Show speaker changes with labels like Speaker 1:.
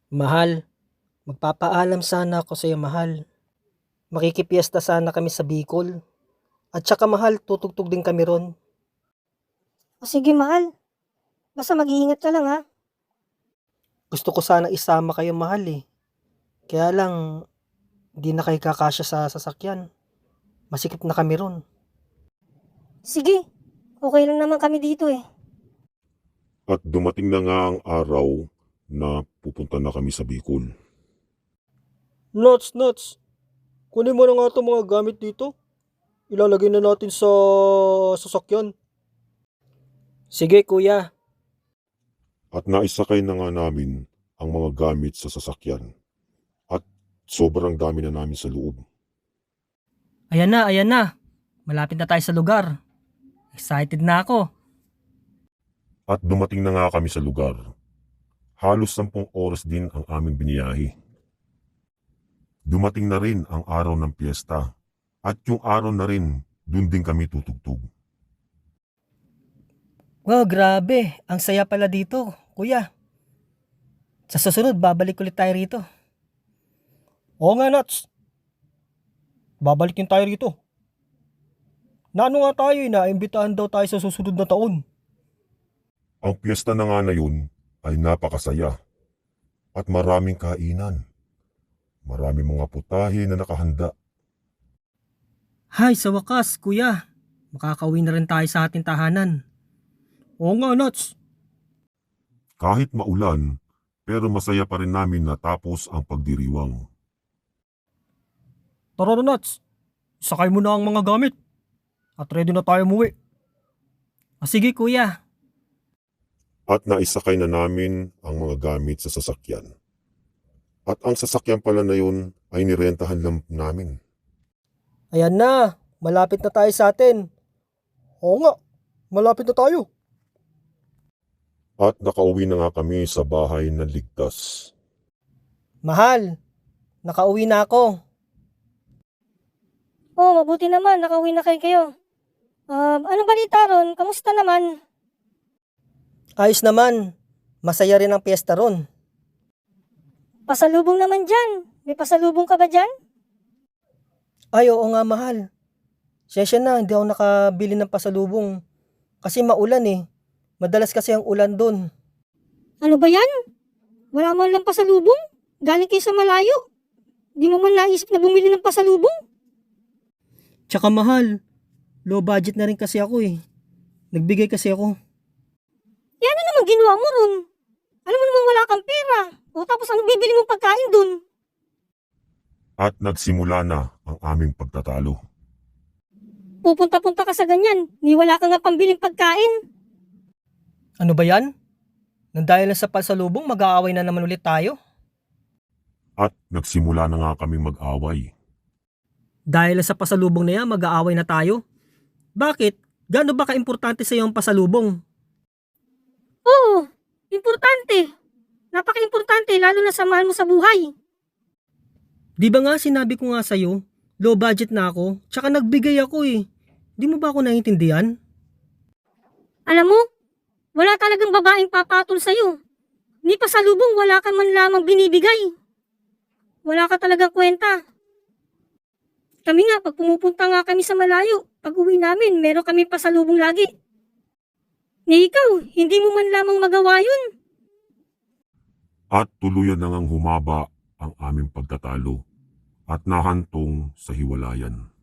Speaker 1: Mahal, magpapaalam sana ako sa'yo mahal. Makikipiesta sana kami sa Bicol. At saka mahal, tutugtog din kami ron.
Speaker 2: O sige mahal, basta mag-iingat ka lang ha.
Speaker 1: Gusto ko sana isama kayo mahal eh. Kaya lang, di na kayo kakasya sa sasakyan. Masikip na kami ron.
Speaker 2: Sige, okay lang naman kami dito eh.
Speaker 3: At dumating na nga ang araw na pupunta na kami sa Bicol.
Speaker 1: Nuts! Kunin mo na nga itong mga gamit dito. Ilalagay na natin sa sasakyan. Sige kuya.
Speaker 3: At naisakay na nga namin ang mga gamit sa sasakyan. At sobrang dami na namin sa loob.
Speaker 4: Ayan na. Malapit na tayo sa lugar. Excited na ako.
Speaker 3: At dumating na nga kami sa lugar. Halos 10 oras din ang aming biniyahe. Dumating na rin ang araw ng piyesta. At yung araw na rin, dun din kami tutugtog.
Speaker 4: Wow, grabe. Ang saya pala dito, kuya. Sa susunod, babalik ulit tayo rito.
Speaker 1: Oo nga Nuts. Babalik din tayo rito. Naano nga tayo eh, naimbitahan daw tayo sa susunod na taon.
Speaker 3: Ang piyesta na nga na yun ay napakasaya. At maraming kainan. Maraming mga putahe na nakahanda.
Speaker 4: Hay, sa wakas, kuya. Makakauwi na rin tayo sa ating tahanan.
Speaker 1: Oo nga Nuts.
Speaker 3: Kahit maulan, pero masaya pa rin namin natapos ang pagdiriwang.
Speaker 1: Tara na Nuts. Sakay mo na ang mga gamit. At ready na tayo umuwi.
Speaker 4: O sige, kuya.
Speaker 3: At naisakay na namin ang mga gamit sa sasakyan. At ang sasakyan pala na yun ay nirentahan lang namin.
Speaker 1: Ayan na. Malapit na tayo sa atin. Oo nga. Malapit na tayo.
Speaker 3: At nakauwi na nga kami sa bahay ng ligtas.
Speaker 1: Mahal. Nakauwi na ako.
Speaker 2: Oh, mabuti naman, nakauwi na kayo. Anong balita ron? Kamusta naman?
Speaker 1: Ayos naman. Masaya rin ang piyesta ron.
Speaker 2: Pasalubong naman dyan. May pasalubong ka ba dyan?
Speaker 1: Ay, oo nga mahal. Sensya na, hindi ako nakabili ng pasalubong. Kasi maulan eh. Madalas kasi ang ulan dun.
Speaker 2: Ano ba yan? Wala man lang pasalubong? Galing kayo sa malayo? Di mo man naisip na bumili ng pasalubong?
Speaker 1: Tsaka mahal, low budget na rin kasi ako eh. Nagbigay kasi ako.
Speaker 2: Ano naman ginawa mo ron? Alam mo naman wala kang pera. O tapos ano bibili mong pagkain dun?
Speaker 3: At nagsimula na ang aming pagtatalo.
Speaker 2: Pupunta-punta ka sa ganyan. Ni wala ka nga pambiling pagkain.
Speaker 1: Ano ba yan? Nang dahil lang sa pasalubong, mag-aaway na naman ulit tayo.
Speaker 3: At nagsimula na nga kaming mag-away.
Speaker 4: Dahil sa pasalubong na yan, mag-aaway na tayo. Bakit? Gaano ba ka-importante sa iyo ang pasalubong?
Speaker 2: Oo, importante. Napaka-importante lalo na sa mahal mo sa buhay.
Speaker 4: Di ba nga sinabi ko nga sa'yo, low budget na ako, tsaka nagbigay ako eh. Di mo ba ako naiintindihan?
Speaker 2: Alam mo, wala talagang babaeng papatol sa'yo. Ni pasalubong wala ka man lamang binibigay. Wala ka talagang kwenta. Kami nga, pag pumupunta nga kami sa malayo, pag uwi namin, meron kami pasalubong lagi. Ni ikaw, hindi mo man lamang magawa yun.
Speaker 3: At tuluyan na ngang humaba ang aming pagtatalo at nahantong sa hiwalayan.